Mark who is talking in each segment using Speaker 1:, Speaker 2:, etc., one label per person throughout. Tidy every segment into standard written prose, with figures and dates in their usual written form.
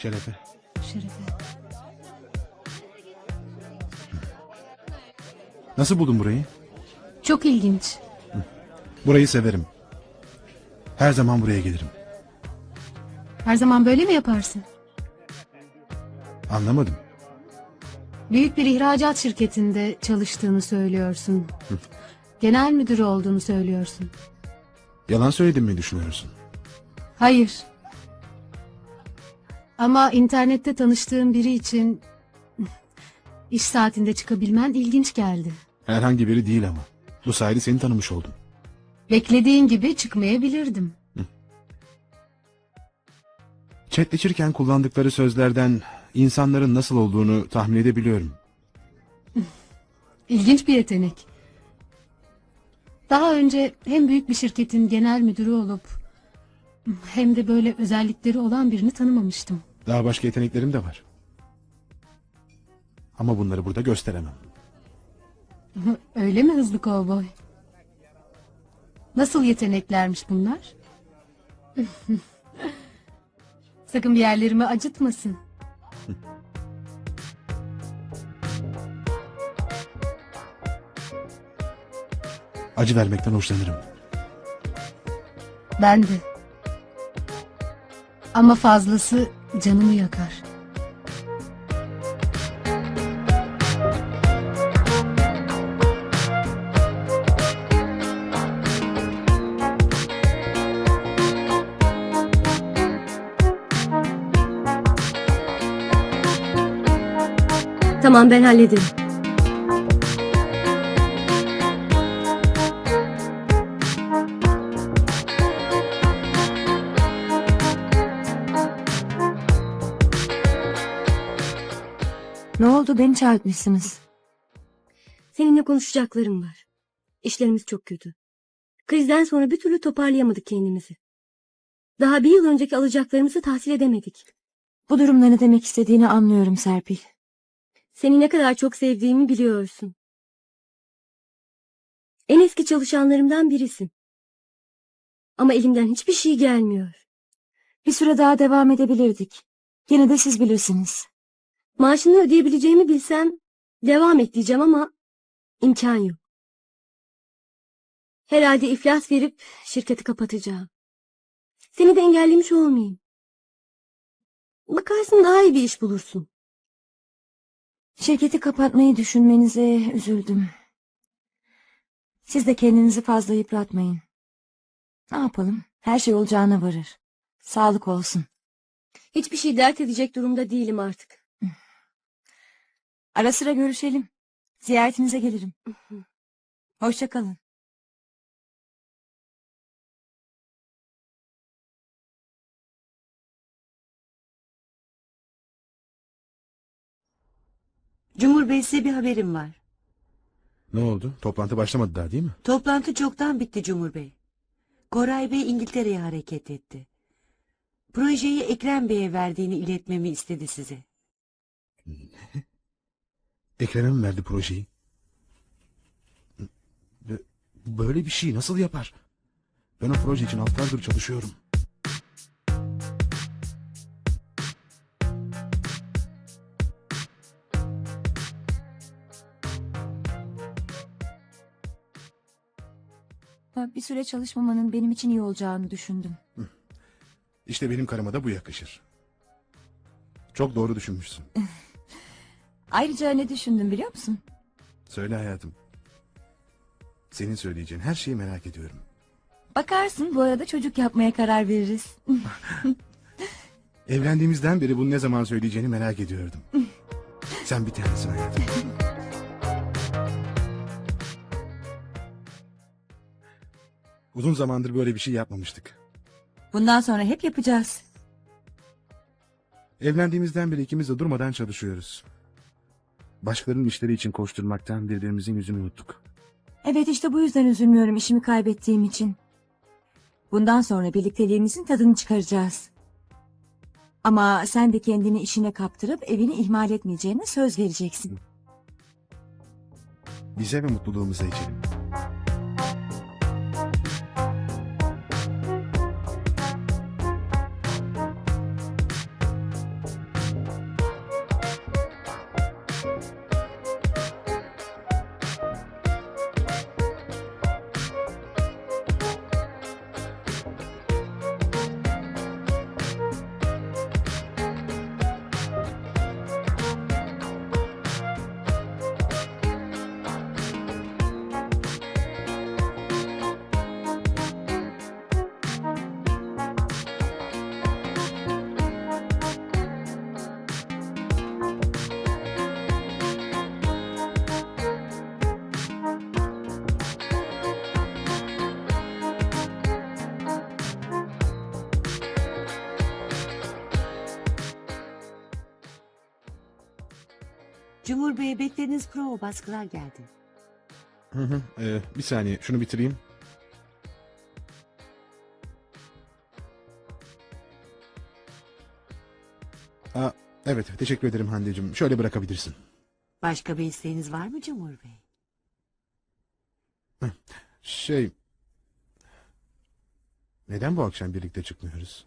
Speaker 1: Şerefe.
Speaker 2: Şerefe.
Speaker 1: Nasıl buldun burayı?
Speaker 2: Çok ilginç.
Speaker 1: Burayı severim. Her zaman buraya gelirim.
Speaker 2: Her zaman böyle mi yaparsın?
Speaker 1: Anlamadım.
Speaker 2: Büyük bir ihracat şirketinde çalıştığını söylüyorsun. Genel müdür olduğunu söylüyorsun.
Speaker 1: Yalan söyledim mi düşünüyorsun?
Speaker 2: Hayır. Ama internette tanıştığım biri için iş saatinde çıkabilmen ilginç geldi.
Speaker 1: Herhangi biri değil ama. Bu sayede seni tanımış oldum.
Speaker 2: Beklediğin gibi çıkmayabilirdim.
Speaker 1: Chatleşirken kullandıkları sözlerden insanların nasıl olduğunu tahmin edebiliyorum.
Speaker 2: İlginç bir yetenek. Daha önce hem büyük bir şirketin genel müdürü olup hem de böyle özellikleri olan birini tanımamıştım.
Speaker 1: Daha başka yeteneklerim de var. Ama bunları burada gösteremem.
Speaker 2: Öyle mi hızlı kovboy? Nasıl yeteneklermiş bunlar? Sakın bir yerlerimi acıtmasın.
Speaker 1: Acı vermekten hoşlanırım.
Speaker 2: Ben de. Ama fazlası canımı yakar.
Speaker 3: Tamam, ben hallederim.
Speaker 4: Ne oldu, beni çağırtmışsınız?
Speaker 3: Seninle konuşacaklarım var. İşlerimiz çok kötü. Krizden sonra bir türlü toparlayamadık kendimizi. Daha bir yıl önceki alacaklarımızı tahsil edemedik.
Speaker 4: Bu durumda ne demek istediğini anlıyorum Serpil.
Speaker 3: Seni ne kadar çok sevdiğimi biliyorsun. En eski çalışanlarımdan birisin. Ama elimden hiçbir şey gelmiyor.
Speaker 4: Bir süre daha devam edebilirdik. Yine de siz bilirsiniz.
Speaker 3: Maaşını ödeyebileceğimi bilsem devam et diyeceğim ama imkan yok. Herhalde iflas verip şirketi kapatacağım. Seni de engellemiş olmayayım. Bakarsın daha iyi bir iş bulursun.
Speaker 4: Şirketi kapatmayı düşünmenize üzüldüm. Siz de kendinizi fazla yıpratmayın. Ne yapalım? Her şey olacağına varır. Sağlık olsun.
Speaker 3: Hiçbir şey dert edecek durumda değilim artık.
Speaker 4: Ara sıra görüşelim. Ziyaretinize gelirim. Hoşça kalın.
Speaker 5: Cumhur Bey, size bir haberim var.
Speaker 1: Ne oldu? Toplantı başlamadı daha değil mi?
Speaker 5: Toplantı çoktan bitti Cumhur Bey. Koray Bey İngiltere'ye hareket etti. Projeyi Ekrem Bey'e verdiğini iletmemi istedi size.
Speaker 1: Ekrem'e mi verdi projeyi? Böyle bir şey nasıl yapar? Ben o proje için haftalardır çalışıyorum.
Speaker 4: Bir süre çalışmamanın benim için iyi olacağını düşündüm.
Speaker 1: İşte benim karıma da bu yakışır. Çok doğru düşünmüşsün.
Speaker 4: Ayrıca ne düşündüm biliyor musun?
Speaker 1: Söyle hayatım. Senin söyleyeceğin her şeyi merak ediyorum.
Speaker 4: Bakarsın, bu arada çocuk yapmaya karar veririz.
Speaker 1: Evlendiğimizden beri bunu ne zaman söyleyeceğini merak ediyordum. Sen bir tanesin hayatım. Uzun zamandır böyle bir şey yapmamıştık.
Speaker 4: Bundan sonra hep yapacağız.
Speaker 1: Evlendiğimizden beri ikimiz de durmadan çalışıyoruz. Başkalarının işleri için koşturmaktan birbirimizin yüzünü unuttuk.
Speaker 4: Evet, işte bu yüzden üzülmüyorum işimi kaybettiğim için. Bundan sonra birlikteliğimizin tadını çıkaracağız. Ama sen de kendini işine kaptırıp evini ihmal etmeyeceğine söz vereceksin.
Speaker 1: Bize ve mutluluğumuza içelim.
Speaker 5: Cumhur Bey, beklediğiniz prova baskılar geldi.
Speaker 1: Hı hı. Bir saniye şunu bitireyim. Aa, evet teşekkür ederim Hande'cim. Şöyle bırakabilirsin.
Speaker 5: Başka bir isteğiniz var mı Cumhur Bey?
Speaker 1: Şey... Neden bu akşam birlikte çıkmıyoruz?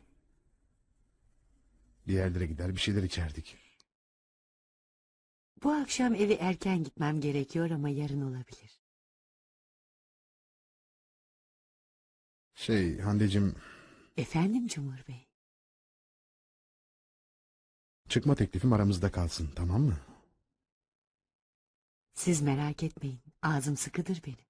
Speaker 1: Bir yerlere gider bir şeyler içerdik.
Speaker 5: Bu akşam eve erken gitmem gerekiyor ama yarın olabilir.
Speaker 1: Hande'cim,
Speaker 5: Efendim Cumhur Bey?
Speaker 1: çıkma teklifim aramızda kalsın, tamam mı?
Speaker 5: Siz merak etmeyin. Ağzım sıkıdır benim.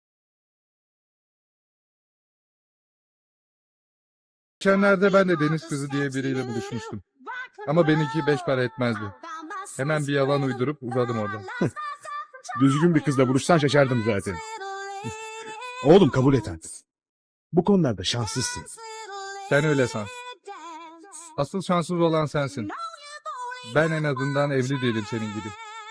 Speaker 6: Geçenlerde ben de deniz kızı diye biriyle buluşmuştum. Ama benimki 5 para etmezdi. Hemen bir yalan uydurup uzadım oradan.
Speaker 1: Düzgün bir kızla buluşsan şaşardım zaten. Oğlum kabul et artık. Bu konularda şanslısın.
Speaker 6: Sen öyle san. Asıl şanssız olan sensin. Ben en azından evli değilim senin gibi.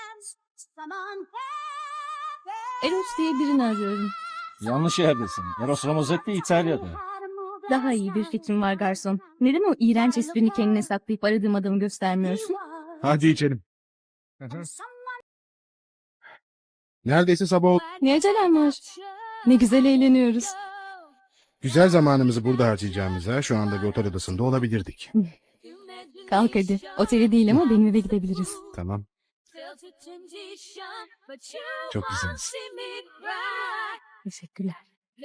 Speaker 7: Eros diye birini arıyorum.
Speaker 8: Yanlış yerdesin. Eros Ramazzotti İtalya'da.
Speaker 7: Daha iyi bir fikrim var garson. Neden o iğrenç esprini kendine saklayıp aradığım adamı göstermiyorsun?
Speaker 1: Hadi içelim.
Speaker 6: Hı hı.
Speaker 1: Neredeyse sabah oldu.
Speaker 7: Ne acelem var? Ne güzel eğleniyoruz.
Speaker 1: Güzel zamanımızı burada harcayacağımıza şu anda bir otel odasında olabilirdik.
Speaker 7: Kalk hadi. Otele değil ama benim eve gidebiliriz.
Speaker 1: Tamam. Çok güzeliz.
Speaker 7: Teşekkürler.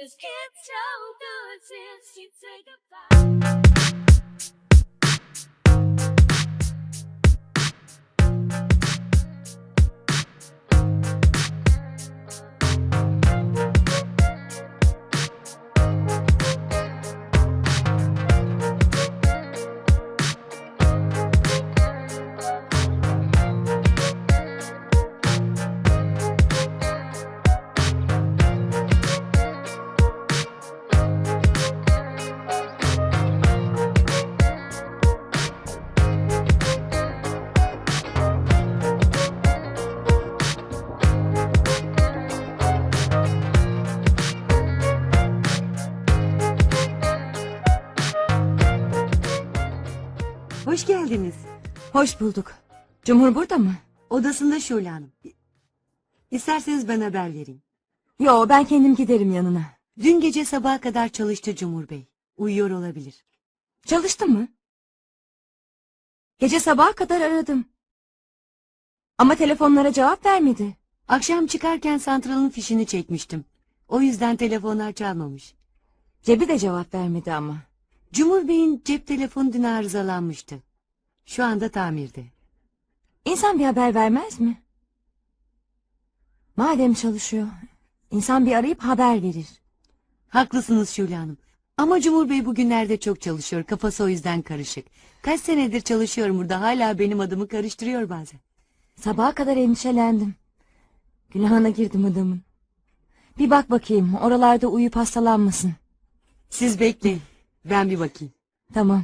Speaker 5: Hoş geldiniz.
Speaker 4: Hoş bulduk. Cumhur burada mı?
Speaker 5: Odasında Şule Hanım. İsterseniz ben haber vereyim.
Speaker 4: Yo, ben kendim giderim yanına.
Speaker 5: Dün gece sabaha kadar çalıştı Cumhur Bey. Uyuyor olabilir.
Speaker 4: Çalıştı mı? Gece sabaha kadar aradım. Ama telefonlara cevap vermedi.
Speaker 5: Akşam çıkarken santralın fişini çekmiştim. O yüzden telefonlar çalmamış.
Speaker 4: Cebi de cevap vermedi ama.
Speaker 5: Cumhur Bey'in cep telefonu dün arızalanmıştı. Şu anda tamirde.
Speaker 4: İnsan bir haber vermez mi? Madem çalışıyor, insan bir arayıp haber verir.
Speaker 5: Haklısınız Şule Hanım. Ama Cumhur Bey bugünlerde çok çalışıyor. Kafası o yüzden karışık. Kaç senedir çalışıyorum burada. Hala benim adımı karıştırıyor bazen.
Speaker 4: Sabaha kadar endişelendim. Günahına girdim adamın. Bir bak bakayım, oralarda uyuyup hastalanmasın.
Speaker 5: Siz bekleyin. Ben bir bakayım.
Speaker 4: Tamam.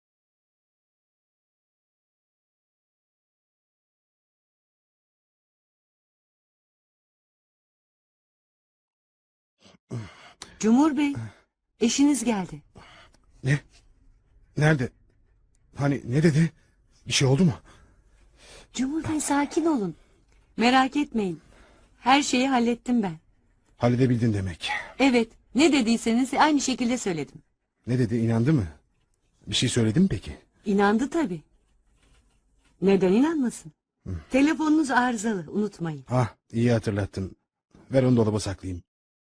Speaker 5: Cumhur Bey, eşiniz geldi.
Speaker 1: Ne? Nerede? Hani ne dedi? Bir şey oldu mu?
Speaker 5: Cumhur Bey sakin olun. Merak etmeyin. Her şeyi hallettim ben.
Speaker 1: Halledebildin demek.
Speaker 5: Evet, ne dediyseniz aynı şekilde söyledim.
Speaker 1: Ne dedi, inandı mı? Bir şey söyledi mi peki?
Speaker 5: İnandı tabii. Neden inanmasın? Telefonunuz arızalı, unutmayın.
Speaker 1: Ah, iyi hatırlattın. Ver onu dolaba saklayayım.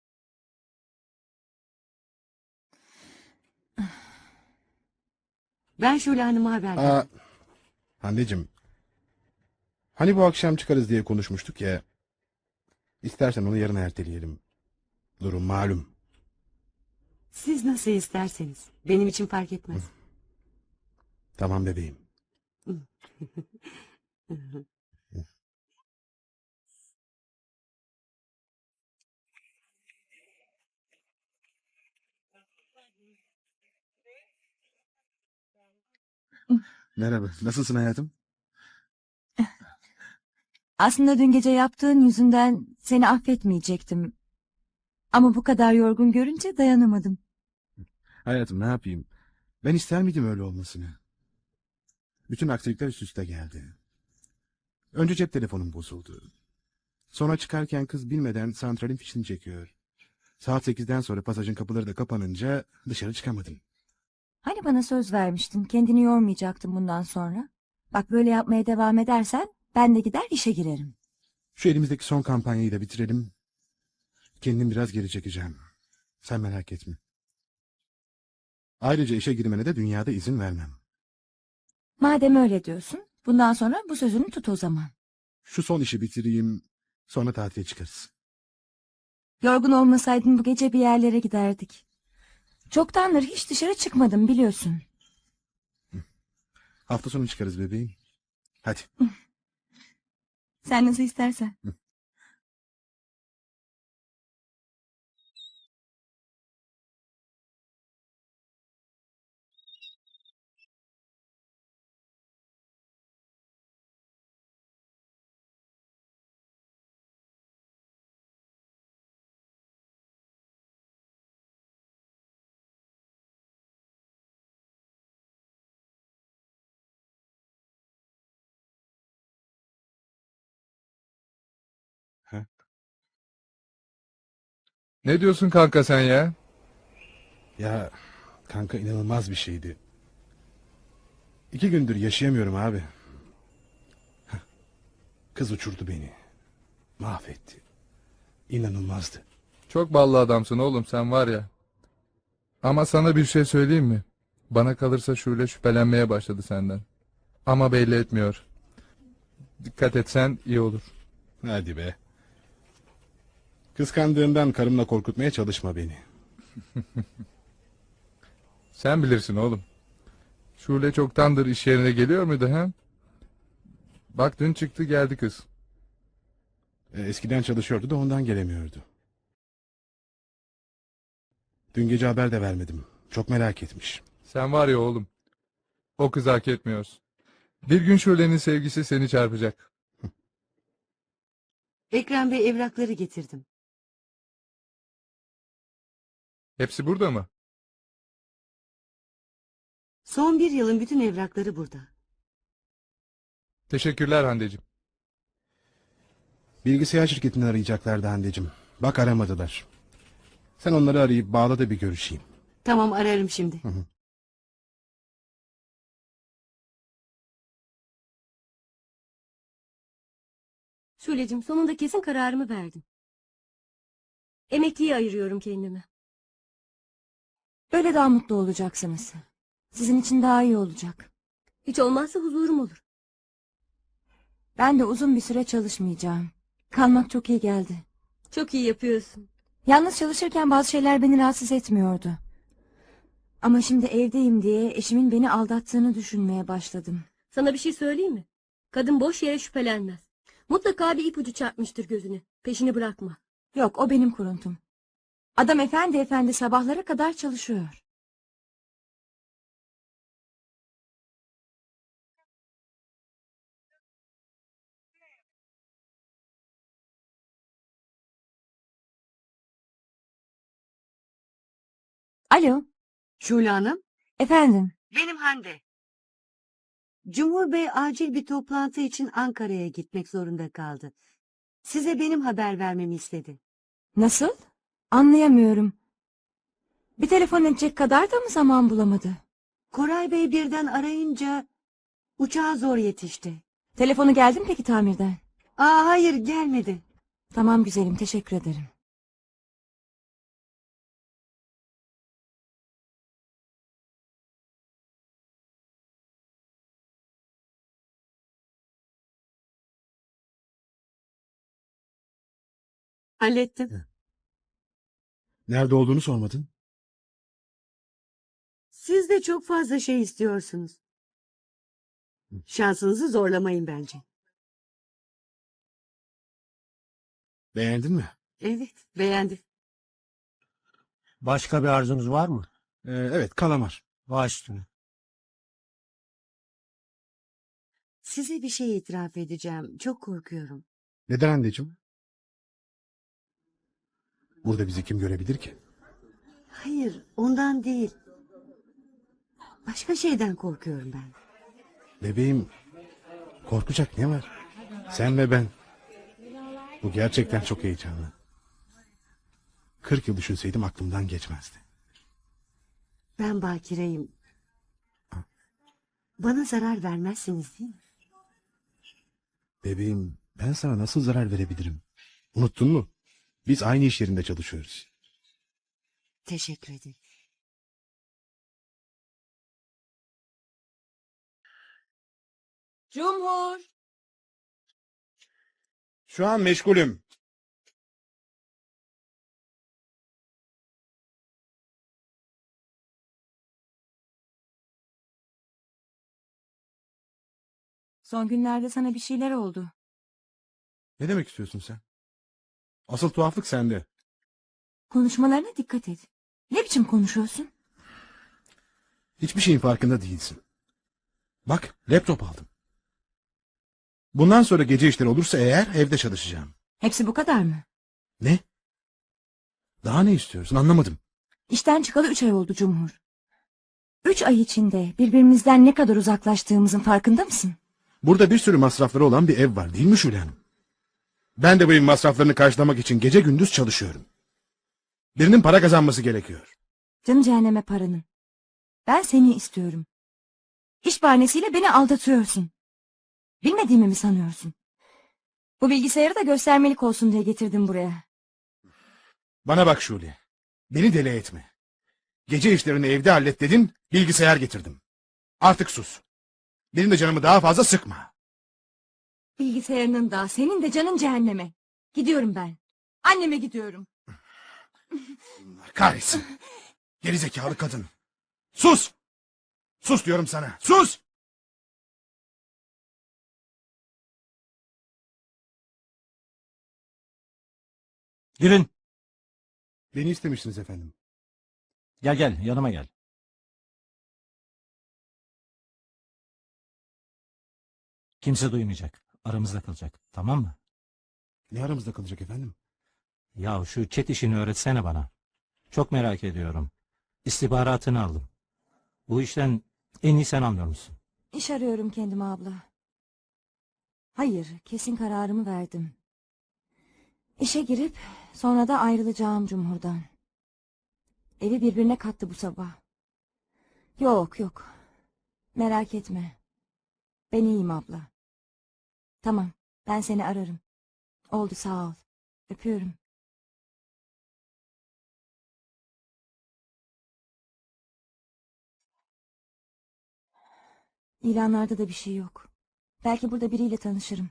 Speaker 5: Ben Şule Hanım'a haber verdim.
Speaker 1: Aa, Hande'cim. Hani bu akşam çıkarız diye konuşmuştuk ya. İstersen onu yarına erteleyelim. Durum malum.
Speaker 5: Siz nasıl isterseniz. Benim için fark etmez.
Speaker 1: Tamam bebeğim. Merhaba, nasılsın hayatım?
Speaker 4: Aslında dün gece yaptığın yüzünden seni affetmeyecektim. Ama bu kadar yorgun görünce dayanamadım.
Speaker 1: Hayatım ne yapayım? Ben ister miydim öyle olmasını? Bütün aksilikler üst üste geldi. Önce cep telefonum bozuldu. Sonra çıkarken kız bilmeden santralin fişini çekiyor. Saat 8'den sonra pasajın kapıları da kapanınca dışarı çıkamadım.
Speaker 4: Hani bana söz vermiştin, kendini yormayacaktın bundan sonra. Bak böyle yapmaya devam edersen ben de gider işe girerim.
Speaker 1: Şu elimizdeki son kampanyayı da bitirelim. Kendim biraz geri çekeceğim. Sen merak etme. Ayrıca işe girmene de dünyada izin vermem.
Speaker 4: Madem öyle diyorsun, bundan sonra bu sözünü tut o zaman.
Speaker 1: Şu son işi bitireyim, sonra tatile çıkarız.
Speaker 4: Yorgun olmasaydın bu gece bir yerlere giderdik. Çoktandır hiç dışarı çıkmadım biliyorsun.
Speaker 1: Hafta sonu çıkarız bebeğim. Hadi.
Speaker 4: Sen nasıl istersen.
Speaker 6: Ne diyorsun kanka sen ya?
Speaker 1: Ya kanka inanılmaz bir şeydi. 2 gündür yaşayamıyorum abi. Heh. Kız uçurdu beni. Mahvetti. İnanılmazdı.
Speaker 6: Çok ballı adamsın oğlum sen var ya. Ama sana bir şey söyleyeyim mi? Bana kalırsa Şule şüphelenmeye başladı senden. Ama belli etmiyor. Dikkat etsen iyi olur.
Speaker 1: Hadi be. Kıskandığımdan karımla korkutmaya çalışma beni.
Speaker 6: Sen bilirsin oğlum. Şule çoktandır iş yerine geliyor muydu ha? Bak dün çıktı geldi kız.
Speaker 1: Eskiden çalışıyordu da ondan gelemiyordu. Dün gece haber de vermedim. Çok merak etmiş.
Speaker 6: Sen var ya oğlum. O kızı hak etmiyorsun. Bir gün Şule'nin sevgisi seni çarpacak.
Speaker 5: Ekrem Bey evrakları getirdim.
Speaker 6: Hepsi burada mı?
Speaker 5: Son bir yılın bütün evrakları burada.
Speaker 6: Teşekkürler Hande'cim.
Speaker 1: Bilgisayar şirketini arayacaklardı Hande'cim. Bak aramadılar. Sen onları arayıp bağla da bir görüşeyim.
Speaker 5: Tamam ararım şimdi.
Speaker 1: Hı.
Speaker 3: Şule'cim sonunda kesin kararımı verdim. Emekliye ayırıyorum kendimi.
Speaker 4: Böyle daha mutlu olacaksınız. Sizin için daha iyi olacak.
Speaker 3: Hiç olmazsa huzurum olur.
Speaker 4: Ben de uzun bir süre çalışmayacağım. Kalmak çok iyi geldi.
Speaker 3: Çok iyi yapıyorsun.
Speaker 4: Yalnız çalışırken bazı şeyler beni rahatsız etmiyordu. Ama şimdi evdeyim diye eşimin beni aldattığını düşünmeye başladım.
Speaker 3: Sana bir şey söyleyeyim mi? Kadın boş yere şüphelenmez. Mutlaka bir ipucu çarpmıştır gözüne. Peşini bırakma.
Speaker 4: Yok o benim kuruntum. Adam efendi efendi sabahlara kadar çalışıyor. Alo,
Speaker 5: Şule Hanım.
Speaker 4: efendim.
Speaker 5: Benim Hande. Cumhur Bey acil bir toplantı için Ankara'ya gitmek zorunda kaldı. Size benim haber vermemi istedi.
Speaker 4: Nasıl? Anlayamıyorum. Bir telefon edecek kadar da mı zaman bulamadı?
Speaker 5: Koray Bey birden arayınca uçağa zor yetişti.
Speaker 4: Telefonu geldi mi peki tamirden?
Speaker 5: Hayır gelmedi.
Speaker 4: Tamam güzelim, teşekkür ederim.
Speaker 5: Hallettim.
Speaker 1: Nerede olduğunu sormadın.
Speaker 5: Siz de çok fazla şey istiyorsunuz. Şansınızı zorlamayın bence.
Speaker 1: Beğendin mi?
Speaker 5: Evet, beğendim.
Speaker 9: Başka bir arzunuz var mı?
Speaker 1: Evet, kalamar.
Speaker 9: Baş üstüne.
Speaker 5: Size bir şey itiraf edeceğim. Çok korkuyorum.
Speaker 1: Neden anneciğim? Burada bizi kim görebilir ki?
Speaker 5: Hayır, ondan değil. Başka şeyden korkuyorum ben.
Speaker 1: Bebeğim, korkacak ne var? Sen ve ben. Bu gerçekten çok heyecanlı. 40 yıl düşünseydim aklımdan geçmezdi.
Speaker 5: Ben bakireyim. Bana zarar vermezsiniz değil mi?
Speaker 1: Bebeğim, ben sana nasıl zarar verebilirim? Unuttun mu? Biz aynı iş yerinde çalışıyoruz.
Speaker 5: Teşekkür ederim.
Speaker 4: Cumhur!
Speaker 1: Şu an meşgulüm.
Speaker 4: Son günlerde sana bir şeyler oldu.
Speaker 1: Ne demek istiyorsun sen? Asıl tuhaflık sende.
Speaker 4: Konuşmalarına dikkat et. Ne biçim konuşuyorsun?
Speaker 1: Hiçbir şeyin farkında değilsin. Bak, laptop aldım. Bundan sonra gece işleri olursa eğer evde çalışacağım.
Speaker 4: Hepsi bu kadar mı?
Speaker 1: Ne? Daha ne istiyorsun anlamadım.
Speaker 4: İşten çıkalı 3 ay oldu Cumhur. 3 ay içinde birbirimizden ne kadar uzaklaştığımızın farkında mısın?
Speaker 1: Burada bir sürü masrafları olan bir ev var değil mi Şule Hanım? Ben de bu evin masraflarını karşılamak için gece gündüz çalışıyorum. Birinin para kazanması gerekiyor.
Speaker 4: Canı cehenneme paranın. Ben seni istiyorum. İş bahanesiyle beni aldatıyorsun. Bilmediğimi mi sanıyorsun? Bu bilgisayarı da göstermelik olsun diye getirdim buraya.
Speaker 1: Bana bak Şule. Beni deli etme. Gece işlerini evde hallet dedin, bilgisayar getirdim. Artık sus. Benim de canımı daha fazla sıkma.
Speaker 4: Bilgisayarının da senin de canın cehenneme. Gidiyorum ben. Anneme gidiyorum.
Speaker 1: Kahretsin. Gerizekalı kadın. Sus! Sus diyorum sana. Sus!
Speaker 8: Girin.
Speaker 1: Beni istemişsiniz efendim.
Speaker 8: Gel gel yanıma gel. Kimse duymayacak. Aramızda kalacak. Tamam mı?
Speaker 1: Ne aramızda kalacak efendim?
Speaker 8: Ya şu chat işini öğretsene bana. Çok merak ediyorum. İstihbaratını aldım. Bu işten en iyi sen anlıyor musun?
Speaker 4: İş arıyorum kendime abla. Hayır, kesin kararımı verdim. İşe girip sonra da ayrılacağım Cumhur'dan. Evi birbirine kattı bu sabah. Yok yok. Merak etme. Ben iyiyim abla. Tamam, ben seni ararım. Oldu sağ ol. Öpüyorum. İlanlarda da bir şey yok. Belki burada biriyle tanışırım.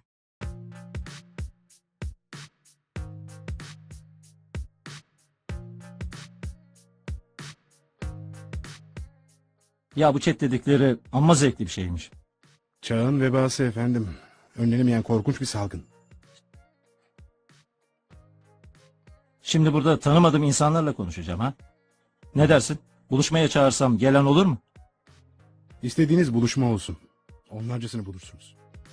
Speaker 8: Ya bu chat dedikleri amma zevkli bir şeymiş.
Speaker 1: Çağın vebası efendim. Önlenemeyen korkunç bir salgın.
Speaker 8: Şimdi burada tanımadığım insanlarla konuşacağım ha. Ne dersin? Buluşmaya çağırsam gelen olur mu?
Speaker 1: İstediğiniz buluşma olsun. Onlarcasını bulursunuz.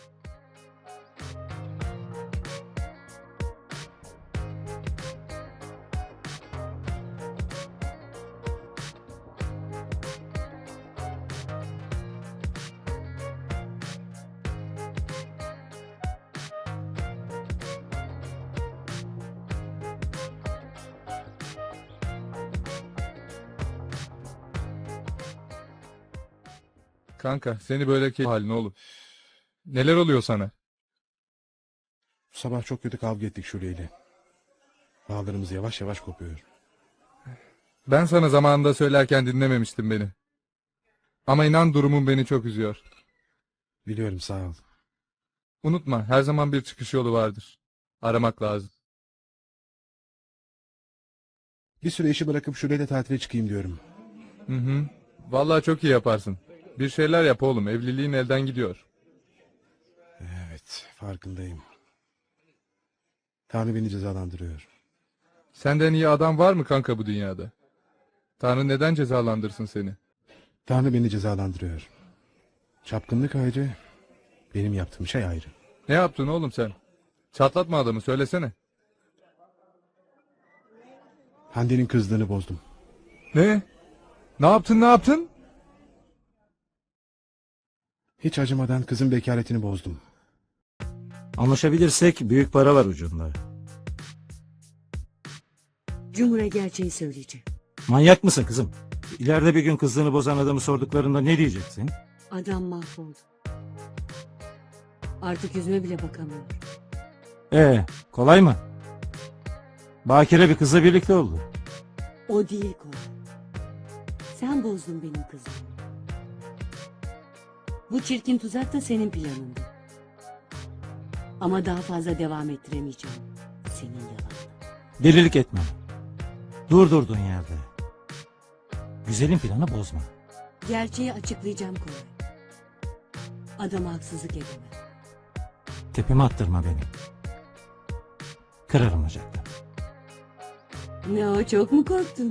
Speaker 6: Kanka seni böyle haline oğlum. Neler oluyor sana?
Speaker 1: Sabah çok kötü kavga ettik Şule ile. Bağlarımız yavaş yavaş kopuyor.
Speaker 6: Ben sana zamanında söylerken dinlememiştin beni. Ama inan durumum beni çok üzüyor.
Speaker 1: Biliyorum sağ ol.
Speaker 6: Unutma her zaman bir çıkış yolu vardır. Aramak lazım.
Speaker 1: Bir süre işi bırakıp Şule ile tatile çıkayım diyorum.
Speaker 6: Hı hı. Vallahi çok iyi yaparsın. Bir şeyler yap oğlum. Evliliğin elden gidiyor.
Speaker 1: Evet farkındayım. Tanrı beni cezalandırıyor.
Speaker 6: Senden iyi adam var mı kanka bu dünyada? Tanrı neden cezalandırsın seni?
Speaker 1: Tanrı beni cezalandırıyor. Çapkınlık ayrı, Benim yaptığım şey ayrı.
Speaker 6: Ne yaptın oğlum sen? Çatlatma adamı söylesene.
Speaker 1: Hande'nin kızlığını bozdum.
Speaker 6: Ne? Ne yaptın ne yaptın?
Speaker 1: Hiç acımadan kızın bekaretini bozdum.
Speaker 8: Anlaşabilirsek büyük para var ucunda.
Speaker 5: Cumhur'a gerçeği söyleyeceğim.
Speaker 8: Manyak mısın kızım? İleride bir gün kızlığını bozan adamı sorduklarında ne diyeceksin?
Speaker 5: Adam mahvoldu. Artık yüzüme bile bakamıyor.
Speaker 8: Kolay mı? Bakire bir kızla birlikte oldu.
Speaker 5: O değil konu. Sen bozdun benim kızımı. Bu çirkin tuzak da senin planındı. Ama daha fazla devam ettiremeyeceğim. Senin yalanın.
Speaker 8: Delilik etme. Dur durduğun yerde. Güzelin planı bozma.
Speaker 5: Gerçeği açıklayacağım Koray. Adama haksızlık edemem.
Speaker 8: Tepeme attırma beni. Kırarım ocakta.
Speaker 5: Ne o, çok mu korktun?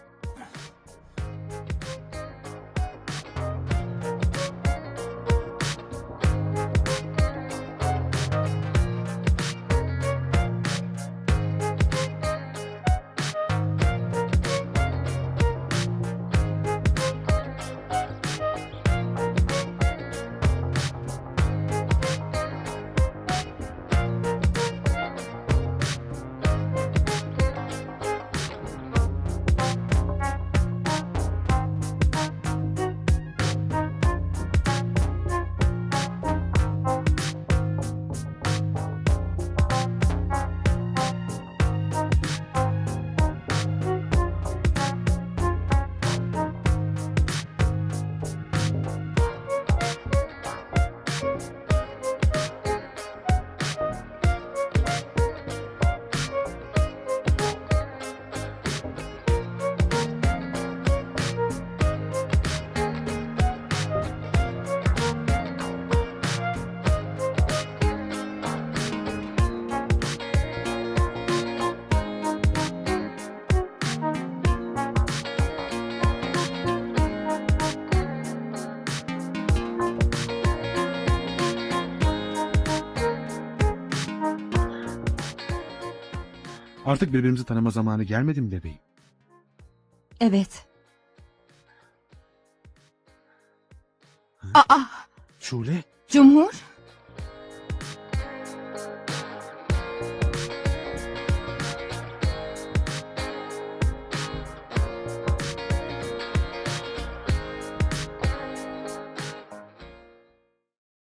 Speaker 1: Artık birbirimizi tanıma zamanı gelmedi mi bebeğim?
Speaker 4: Evet.
Speaker 1: Şule?
Speaker 2: Cumhur,